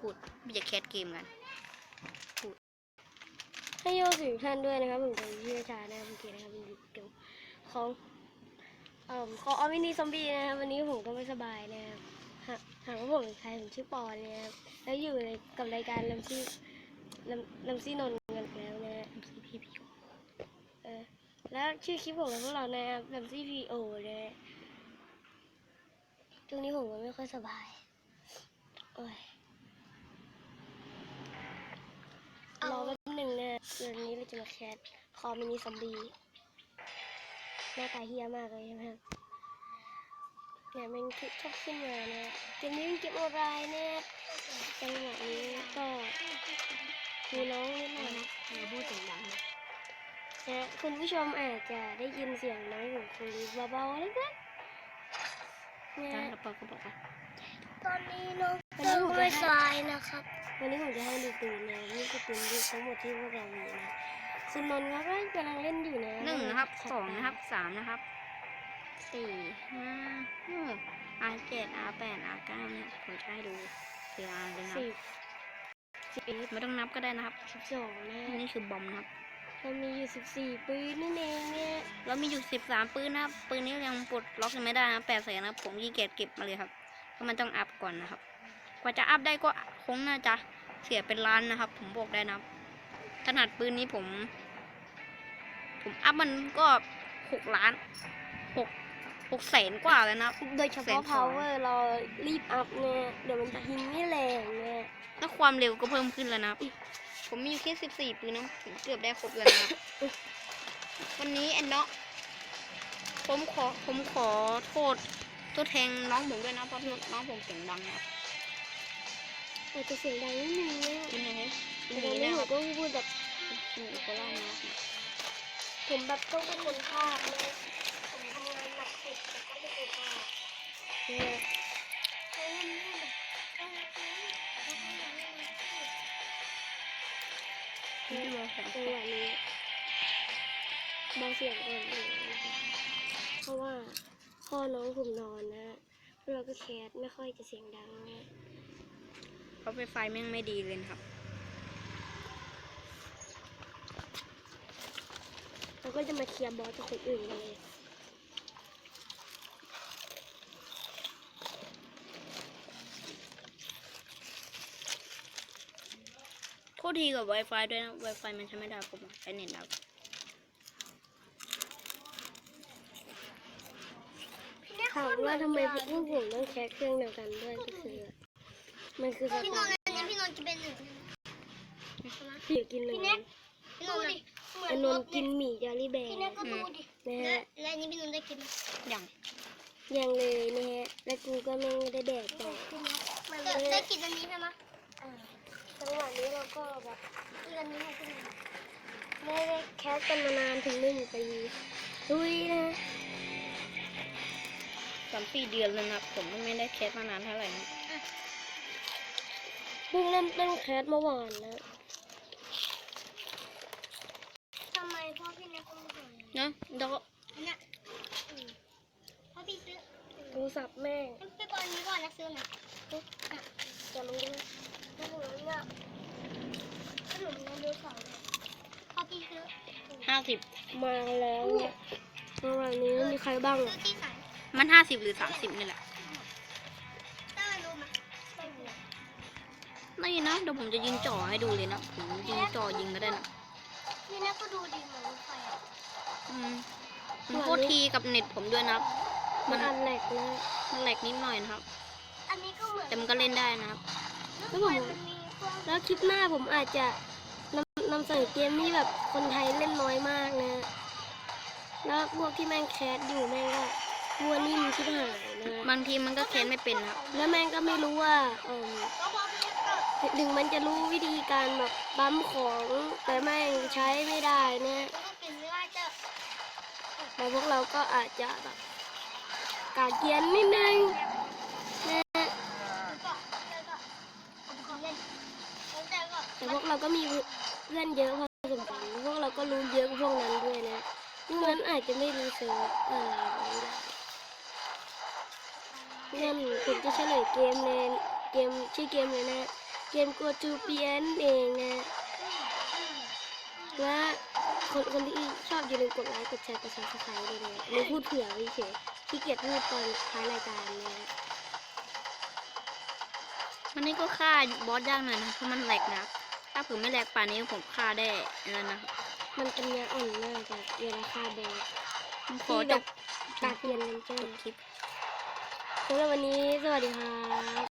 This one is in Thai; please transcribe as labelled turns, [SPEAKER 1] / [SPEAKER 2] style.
[SPEAKER 1] พูดไม่จะแคสเกมกันพูด
[SPEAKER 2] ให้โยสิท่านด้วยนะครับผมจะชื่อชานะครับโอเคนะครับเป็นเกี่ยวของของออมินีซอมบี้นะครับวันนี้ผมก็ไม่สบายนะครับหากว่าผมเป็นใครผมชื่อปอนะครับแล้วอยู่ในกับรายการลำซี่นนท์กันแล้วนะพี่แล้วชื่อคลิปของพวกเรานะครับลำซี่พีโอนะช่วงนี้ผมก็ไม่ค่อยสบายโอ้ยรอแป๊บหนึ่งนะวันนี้เราจะมาแคสคอมินิซอมบี้หน้าตาเฮี้ยมากเลยใช่ไหมครับเนี่ยมันชอบขึ้นมาเนี่ยเกมนี้เป็นเกมออนไลน์เนี่ยจังหวะนี้ก็มีน้องนิดหน่อยนะอย่าพูดเสียงดังนะคุณผู้ชมอาจจะได้ยินเสียงน้องของคุณเบาๆเล็กๆเนี่ยปอก็บอกว่าตอนนี้น้องเริ่มไม่สบายนะครับวันนี้ผมจะให้ดูปืนนะนี่คือปืนทั้งหมดที่พวกเรามีนะคุณนนท์เขาก็กำลังเล่นอยู่นะ
[SPEAKER 1] 1นะครับ2นะครับ3นะครับ4 5 6 R7 R8 R9เนี่ยผมจะให้ดู4 R เลยนะ11ไม่ต้องนับก็ได้นะครับ
[SPEAKER 2] 12นะ
[SPEAKER 1] นี่คือบอมนะครับ
[SPEAKER 2] เรามีอยู่14ปืนนั่นเองเนี่ย
[SPEAKER 1] เรามีอยู่13ปืนนะครับปืนนี้ยังปลดล็อกยังไม่ได้นะ8 แสนนะผมขี้เกียจเก็บมาเลยครับเพราะมันต้องอัพก่อนนะครับกว่าจะอัพได้ก็คงน่าจะเสียเป็นล้านนะครับผมบอกได้นะขนาดปืนนี้ผมอัพมันก็6 ล้าน6 แสนกว่าเลยนะ
[SPEAKER 2] โดยเฉพาะ power เรารีบอัพเนี่ยเดี๋ยวมันจะยิงไม่แรงเนี่ย
[SPEAKER 1] แล้วความเร็วก็เพิ่มขึ้นแล้วนะผมมีอยู่แค่14ปืนนะผมเกือบได้ครบแล้วนะวันนี้แอนเนาะผมขอโทษตัวแทงน้องผมด้วยนะเพราะน้องผมเสียงดังนะ
[SPEAKER 2] อาจจะเสียงดังนิดนึงเนี่ย
[SPEAKER 1] เป็นไง
[SPEAKER 2] ตอนนี้ผมก็พูดแบบ
[SPEAKER 1] โคราชนะ
[SPEAKER 2] ผมแบบต้องเป็นคนภาคเลยผมทำงานหนักสุดแต่ก็ไม่เป็นภาคเนี่ยจังหวะนี้เบาเสียงก่อนเพราะว่าพ่อน้องผมนอนนะเราก็แคสไม่ค่อยจะเสียงดังนะ
[SPEAKER 1] เพราะไฟแม่งไม่ดีเลยครับ
[SPEAKER 2] เราก็จะมาเคลียร์บอสกับคนอื่นกันเลย
[SPEAKER 1] โทษทีกับ Wi-Fi ด้วยนะ Wi-Fi มันใช้ไม่ได้ผมใช้เน็ตแล้ว
[SPEAKER 2] ถามว่าทำไมพวกผมต้องแคสเครื่องเดียวกันด้วยก็คือมันคือสไตล์พี่นนท์กินเป็นหนึ่งพี่กินหนึ่งพี่นนท์กินหมี่จารี่แบร์นะฮะและนี่พี่นนท์ได้กินยังเลยนะฮะและกูก็ไม่ได้แดกแต่ได้กินอันนี้ใช่ไหมจังหวะนี้เราก็แบบกินอันนี้ไม่ได้แคสกันมานานถึง1 ปีดุยนะ
[SPEAKER 1] 3-4 เดือนแล้วนะผมไม่ได้แคสมานานเท่าไหร่นะ
[SPEAKER 2] เพิ่งเริ่มต้นแคสเมื่อวานนะทำไมพ่อพี่เนี่ยต้องสอน
[SPEAKER 1] นะแล้วก็
[SPEAKER 2] เนี่ยพ่อพี่ซื้อโทรศัพท์แม่ไปก่อนนี้ก่อนนะซื้อหน่อยจะลงด้วยขนมเนี่ยขนมเนี่ยเดือดสองพ่อพี่ซื้อ
[SPEAKER 1] 50
[SPEAKER 2] มาแล้วเนี่ยเมื่อวานนี้มีใครบ้าง
[SPEAKER 1] มัน50หรือ30นี่แหละนี่นะเดี๋ยวผมจะยิงจ่อให้ดูเลยนะผมยิงจ่อยิงก็ได้นะ
[SPEAKER 2] นี่นะก็ดูดีเหมือนรถไฟ
[SPEAKER 1] ผมโทษทีกับเน็ตผมด้วยนะ
[SPEAKER 2] มันแหลกนะ
[SPEAKER 1] มันแหลกนิดหน่อยนะครับ
[SPEAKER 2] อันนี้ก็เหมือน
[SPEAKER 1] แต่มันก็เล่นได้นะครับ
[SPEAKER 2] แล้วคลิปหน้าผมอาจจะนำเสนอเกมที่แบบคนไทยเล่นน้อยมากนะแล้วพวกที่แม่งแคสอยู่แม่งก็วัวนิ่มชิบหายนะ
[SPEAKER 1] บางทีมันก็แคสไม่เป็นครับ
[SPEAKER 2] แล้วแม่งก็ไม่รู้ว่าถึงมันจะรู้วิธีการแบบปั๊มของแต่แม่งใช้ไม่ได้เนี่ยแต่พวกเราก็อาจจะแบบกาเกียนนิดนึงนะแต่พวกเราก็มีเพื่อนเยอะพอสมควรพวกเราก็รู้เยอะกว่าพวกนั้นด้วยนะงั้นอาจจะไม่รู้เซิร์ฟงั้นผมจะเฉลยเกมเลยเกมชื่อเกมเลยนะเกมกัวจูเปียนเองนะและคนที่ชอบอย่าลืมกดไลค์กดแชร์กดซับสไครต์ด้วยนะไม่พูดเผื่อไว้เฉยขี้เกียจพูดตอนท้ายรายการนะ
[SPEAKER 1] วันนี้ก็ฆ่าบอสยากหน่อยนะเพราะมันแหลกนะครับถ้าผมไม่แหลกป่านนี้ผมฆ่าได้แล้วนะครับ
[SPEAKER 2] มันเป็นเนื้ออ่อนมากแบบเวลาฆ่าบอส
[SPEAKER 1] ผมขอ
[SPEAKER 2] ที่
[SPEAKER 1] จ
[SPEAKER 2] แบบ บตาเทียนเลนเจอ
[SPEAKER 1] จบ
[SPEAKER 2] ร์
[SPEAKER 1] คลิป
[SPEAKER 2] สำหรับวันนี้สวัสดีครับ